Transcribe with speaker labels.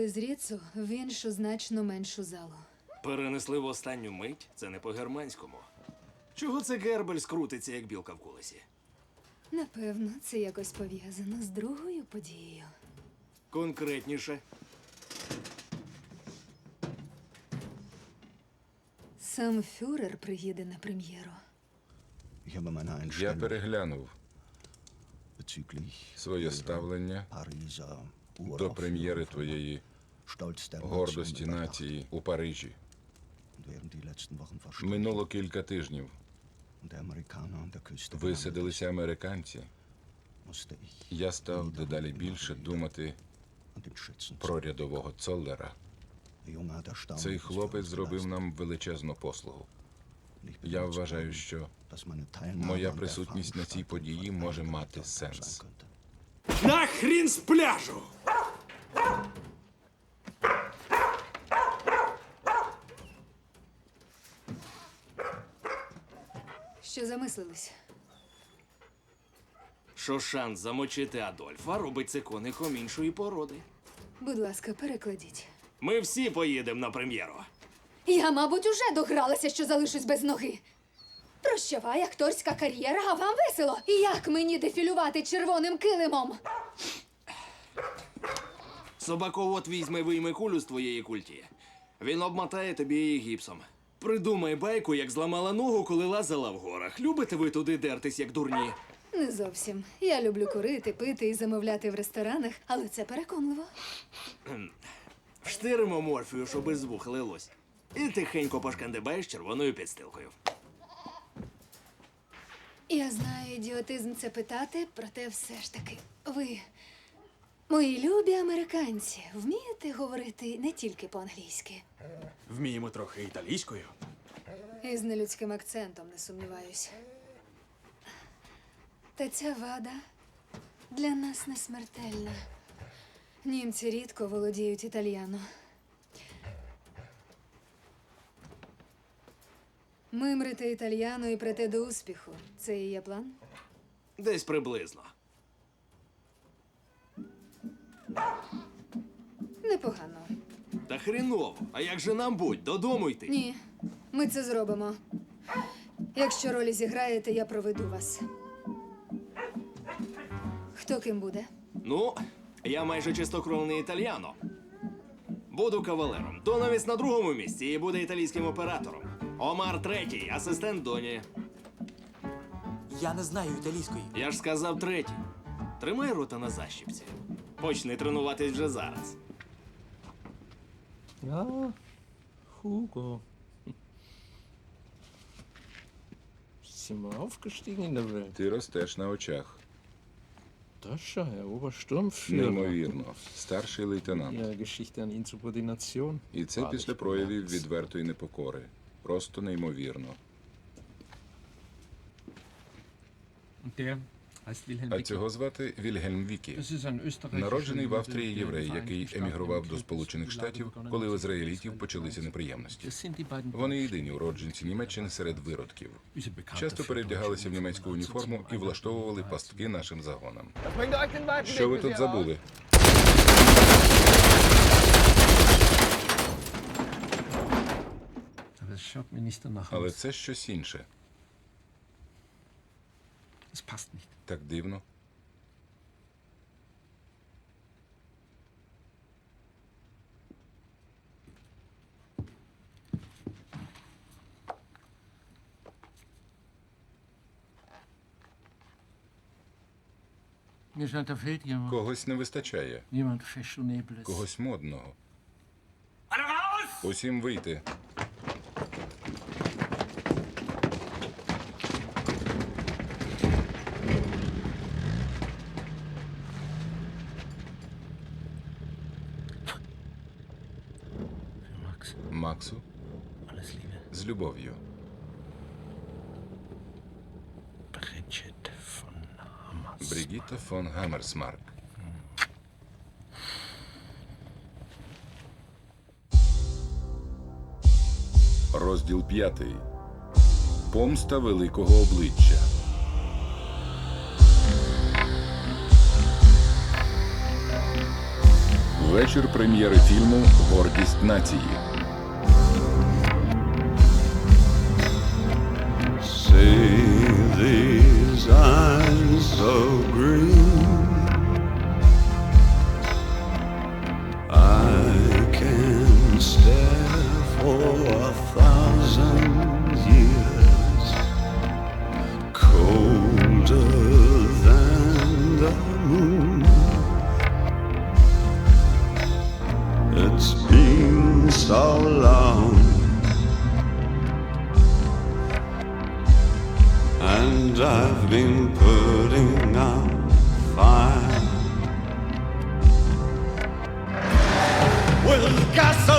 Speaker 1: перенесли з Ріцу в іншу значно меншу залу.
Speaker 2: Перенесли в останню мить? Це не по-германському. Чого це Гербель скрутиться, як білка в колесі?
Speaker 1: Напевно, це якось пов'язано з другою подією.
Speaker 2: Конкретніше.
Speaker 1: Сам фюрер приїде на прем'єру.
Speaker 3: Я переглянув своє ставлення до прем'єри твоєї гордості нації у Парижі. Минуло кілька тижнів. Висадилися американці. Я став дедалі більше думати про рядового Цоллера. Цей хлопець зробив нам величезну послугу. Я вважаю, що моя присутність на цій події може мати сенс.
Speaker 2: Нахрін з пляжу!
Speaker 1: Що замислились?
Speaker 2: Що шанс замочити Адольфа робить це коником іншої породи.
Speaker 1: Будь ласка, перекладіть.
Speaker 2: Ми всі поїдемо на прем'єру.
Speaker 1: Я, мабуть, уже догралася, що залишусь без ноги. Прощавай, акторська кар'єра, а вам весело. Як мені дефілювати червоним килимом?
Speaker 2: Собаковод вийме кулю з твоєї культі. Він обмотає тобі її гіпсом. Придумай байку, як зламала ногу, коли лазила в горах. Любите ви туди дертись, як дурні?
Speaker 1: Не зовсім. Я люблю курити, пити і замовляти в ресторанах, але це переконливо.
Speaker 2: Вштиримо морфію, щоб із вух лилось. І тихенько пошкандибаєш червоною підстилкою.
Speaker 1: Я знаю, ідіотизм це питати, проте все ж таки. Ви, мої любі американці, вмієте говорити не тільки по-англійськи?
Speaker 4: Вміємо трохи італійською.
Speaker 1: І з нелюдським акцентом, не сумніваюся. Та ця вада для нас не смертельна. Німці рідко володіють італьяно. Мимрити італьяно і прийти до успіху. Це і є план?
Speaker 2: Десь приблизно.
Speaker 1: Непогано.
Speaker 2: Та хріново. А як же нам будь? Додому йти?
Speaker 1: Ні, ми це зробимо. Якщо ролі зіграєте, я проведу вас. Хто ким буде?
Speaker 2: Ну, я майже чистокровний італьяно. Буду кавалером. Доновіс на другому місці і буде італійським оператором. Омар третій, асистент Доні.
Speaker 4: Я не знаю італійської.
Speaker 2: Я ж сказав третій. Тримай рота на защіпці. Почни тренуватись вже зараз.
Speaker 5: Ja, Hugo. Sind wir aufgestiegen in der Welt?
Speaker 3: Ти ростеш на очах.
Speaker 5: Das schon, Herr Obersturmführer.
Speaker 3: Неймовірно. Старший лейтенант.
Speaker 5: Ihre Geschichte an Insubordination.
Speaker 3: І це після проявів відвертої непокори. Просто неймовірно.
Speaker 6: Und der heißt Wilhelm
Speaker 3: А
Speaker 6: Wickel.
Speaker 3: цього звати Вільгельм Вікі.
Speaker 6: Das ist ein österreichischer
Speaker 3: Народжений в
Speaker 6: Jude,
Speaker 3: Австрії
Speaker 6: der
Speaker 3: єврей,
Speaker 6: in den
Speaker 3: який
Speaker 6: Vereinigten
Speaker 3: емігрував
Speaker 6: Staaten
Speaker 3: до
Speaker 6: im
Speaker 3: Сполучених
Speaker 6: Krieg
Speaker 3: Штатів,
Speaker 6: begonnen
Speaker 3: коли у
Speaker 6: hat.
Speaker 3: ізраїлітів почалися неприємності.
Speaker 6: Das sind die beiden
Speaker 3: Вони єдині уродженці Німеччини серед виродків.
Speaker 6: Diese bekannt
Speaker 3: Часто
Speaker 6: dafür,
Speaker 3: перевдягалися в
Speaker 6: Deutsche
Speaker 3: німецьку
Speaker 6: Uniformen
Speaker 3: уніформу і
Speaker 6: anzuziehen,
Speaker 3: влаштовували
Speaker 6: einmal
Speaker 3: пастки нашим загонам.
Speaker 7: Bringt euch den Wagen.
Speaker 3: Що ви тут забули?
Speaker 6: Aber das schaut mir nicht danach
Speaker 3: Але
Speaker 6: aus.
Speaker 3: це щось інше.
Speaker 6: Das passt nicht.
Speaker 3: Так дивно.
Speaker 6: Mir scheint, da fehlt jemand.
Speaker 3: Когось не вистачає.
Speaker 6: Jemand Fashionables.
Speaker 3: Когось модного. Усім вийти.
Speaker 6: Max,
Speaker 3: Максу
Speaker 6: alles Liebe.
Speaker 3: з любов'ю.
Speaker 6: Bridget von Hammers.
Speaker 3: Бригітта фон Гаммерсмарк. Розділ 5. Помста великого обличчя. Вечір прем'єри фільму «Гордість нації».
Speaker 7: See these eyes so green, I can stare for 1,000 years, colder than the moon. It's been so long, and I've been putting out fire with gasoline.